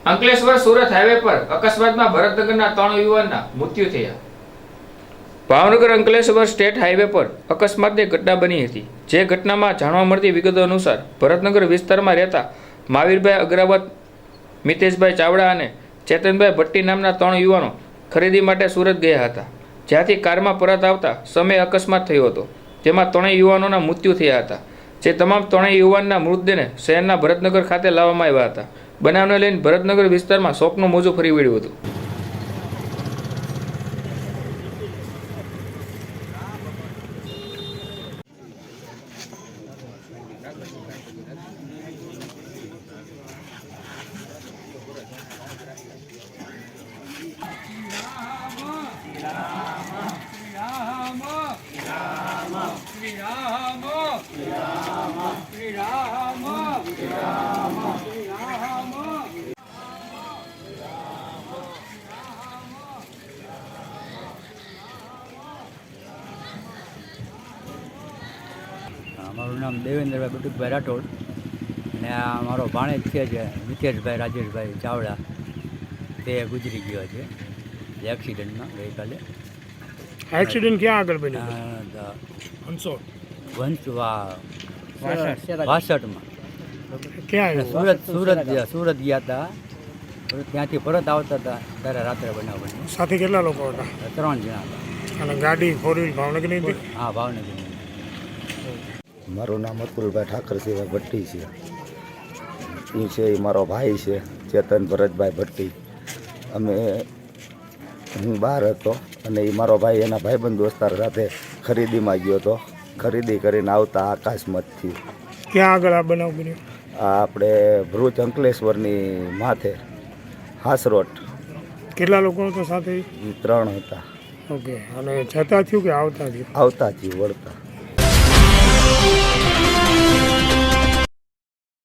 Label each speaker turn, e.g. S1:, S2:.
S1: Ankleshwar Surat highway પર અકસ્માતમાં ભરતનગરના 3 યુવાનના મૃત્યુ થયા। ભાવનગર અંકલેશ્વર સ્ટેટ હાઈવે પર અકસ્માતની ઘટના બની હતી। જે ઘટનામાં જાણવા મળતી વિગતો અનુસાર ભરતનગર વિસ્તારમાં રહેતા મહાવીરભાઈ અગ્રવાલ, મિતેશભાઈ ચાવડા અને ચેતનભાઈ ભટ્ટી નામના 3 યુવાનો ખરીદી માટે સુરત ગયા હતા, જ્યાંથી કારમાં પરત આવતા સમયે અકસ્માત થયો હતો, જેમાં 3 યુવાનોના મૃત્યુ થયા હતા। જે તમામ 3 યુવાનના મૃતદેહને શહેરના ભરતનગર ખાતે લાવવામાં આવ્યા હતા। બનાવને લઈને ભરતનગર વિસ્તારમાં શોકનું મોજું ફરી વળ્યું હતું।
S2: મારું નામ દેવેન્દ્રભાઈ બટુકભાઈ રાઠોડ અને આ મારો ભાણેજ છે જે મિતેશભાઈ રાજેશભાઈ ચાવડા, તે ગુજરી ગયો છે એક્સિડન્ટમાં ગઈકાલે।
S3: એક્સિડન્ટ ક્યાં આગળ બન્યું?
S2: વાસઠમાં
S3: ક્યાં
S2: સુરત ગયા હતા, ત્યાંથી પરત આવતા હતા ત્યારે રાત્રે બનાવ બન્યો।
S3: સાથે કેટલા લોકો હતા?
S2: 3 જણા હતા
S3: અને ગાડી 4 વ્હીલ ભાવનગરની હતી?
S2: હા, ભાવનગર।
S4: મારું નામ અતુલભાઈ ઠાકરસિંહભાઈ ભટ્ટી છે। એ છે એ મારો ભાઈ છે ચેતન ભરતભાઈ ભટ્ટી। હું બહાર હતો અને એ મારો ભાઈ એના ભાઈબંધ દોસ્તાર સાથે ખરીદીમાં ગયો હતો। ખરીદી કરીને આવતા અકસ્માતથી
S3: ક્યાં આગળ આ બનાવ બન્યો?
S4: આ આપણે ભરૂચ અંકલેશ્વરની માથે હાસરોટ।
S3: કેટલા લોકો હતા સાથે?
S4: એ 3 હતા।
S3: ઓકે, અને જતા થયું કે આવતા થયું?
S4: આવતા થયું, વળતા।